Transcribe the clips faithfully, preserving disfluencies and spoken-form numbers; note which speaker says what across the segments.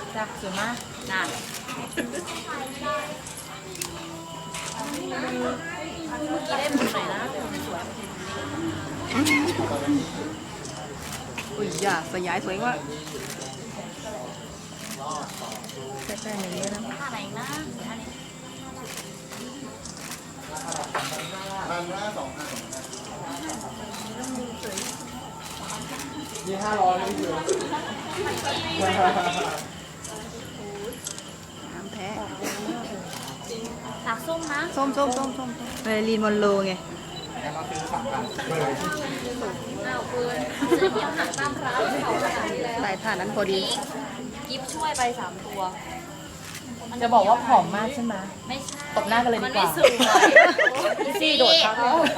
Speaker 1: จ้ะสวยมากน่าเมื่อกี้ได้มุมไหนนะสวย
Speaker 2: อุ้ยอย่าสยายสวยว่า
Speaker 1: ใกล้ๆอย่างนี้นะท่าไหนนะท่านี้
Speaker 3: พันห้าสองพันยี่ห้าร้อยเลยพี่เสือ
Speaker 2: น้ำแท้
Speaker 1: สักส้มนะ
Speaker 2: ส้มส้มส้มส้มเมลีนมอนโลไง
Speaker 3: แล้วมาซื้อสามพันเลย
Speaker 1: อ้าวเพื่อนซื้อเดียวหักตามร้านเขาขนาดนี้แล้ว
Speaker 2: ใส่ท่านั้นพอดี
Speaker 1: กิฟช่วยไปสามตัว
Speaker 4: จะบอกว่าผอมมากใช่ไหม
Speaker 1: ไม่ใช่
Speaker 4: ตบหน้ากันเลยดีกว่า
Speaker 1: มันไม่สวย
Speaker 4: พี่ซี่โดดครับ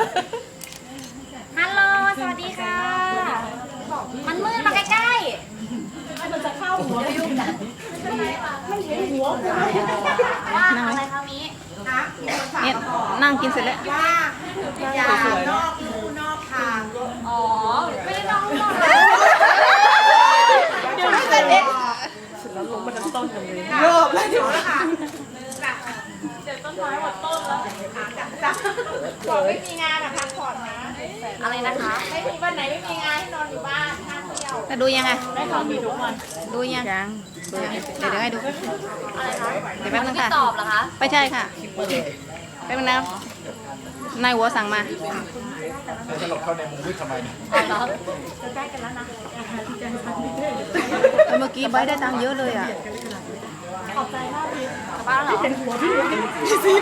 Speaker 1: ฮัลโหลสวัสดีค่ะ มันมืดมาใกล้ๆมันจะเข้าหัวไปยุ่งกันไม่เห็นหัวว่าอะไรคะมี
Speaker 2: เนี่ยนั่งกินเสร็จแล้ว
Speaker 1: อย่านอกรูนอกทางอ๋อไม่ได้นอกรูนอกทาง
Speaker 4: เดี๋ยวไม่เสร็จแล้วลงมาทั้งต้นกันเลย
Speaker 1: โยบแล้วเดี๋ยวนะคะเดี๋ยวต้นไม้หมดต้นแล้วจ้ะบอกไม่มีงานอะพักผ่อนนะอะไรนะคะไม่มีวันไหนไม่มีงานให้นอนอยู่บ้านท่าเที่ยว
Speaker 2: จะดูยังไง
Speaker 1: ได้ของมีทุกวัน
Speaker 2: ดูยังยังเดี๋ยวเดี๋ยวให้ดู
Speaker 1: อะไรคะ
Speaker 2: เดี๋ยวแป๊บนึงค่ะ
Speaker 1: ตอบเหรอคะ
Speaker 2: ไม่ใช่ค่ะแป๊บนึงนะนายหัวสั่งมา
Speaker 3: จะหลบเข้าในมุมมืดทำไมเนี่ย
Speaker 1: อ๋อเหรอจะได้กันแล้วนะ
Speaker 2: เมื่อกี้ใบได้ตังค์เยอะเลยอ่ะ
Speaker 1: ขอบใจมากพี่กลับบ้านเหรอ